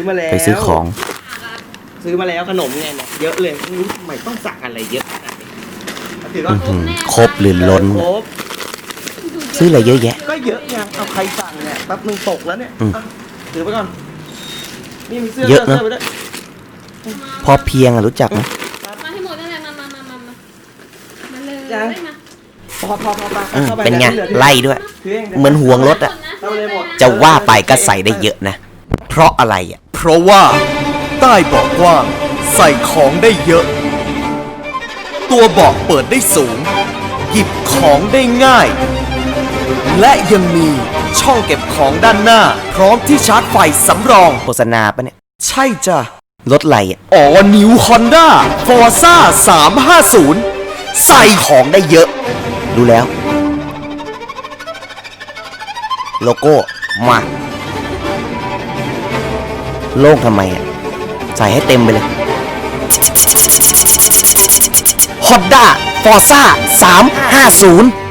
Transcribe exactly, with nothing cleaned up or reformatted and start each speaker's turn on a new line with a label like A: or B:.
A: มาแล้ว
B: ไปซื้อของ
A: ซื้อมาแล้วขนมเนี่ยเยอะเลยไม่รู้ทำไมต้องสั่งอะไรเยอะขนาดนี้ถือว่า
B: ครบหรือล้น
A: ครบ
B: ซื้ออะไรเยอะแยะ
A: ก็เยอะยังเอาใครสั่งเนี่ยแป๊บนึงตกแล้วเนี่ยถือไปก่อนนี่มีเสื้อ
B: เยอะนะ
A: เสื้อไปด้วย
B: พอเพียงอะรู้จักไหม
C: มาให้หมดนั่นแหละมามามามามามาเลยมา
A: พอพอพอพอ
B: อืม
A: เข้าไป
B: เป็นไง
A: ดี๋ยว
B: ไล่ด้วย
A: ถืง
B: เหมือนห่วงรถอะ
A: เข้าเลยหมด
B: จะว่าไปก็ใส่ได้เยอะนะ เพราะอะไรอะ
D: เพราะว่าใต้เบาะกว้างใส่ของได้เยอะ ตัวเบาะเปิดได้สูง หยิบของได้ง่าย และยังมีช่องเก็บของด้านหน้า พร้อมที่ชาร์จไฟสำรอง
B: โฆษณาปะเนี่ย
D: ใช่จ้ะ
B: รถอะไรอะ
D: อ๋อนิวฮอนด้าฟอร์ซ่าสามห้าศูนย์ใส่
B: ใส่ของได้เยอะ ดูแล้ว โลโก้มาโล่งทำไมอะใส่ให้เต็มไปเลย Honda Forza สามห้าศูนย์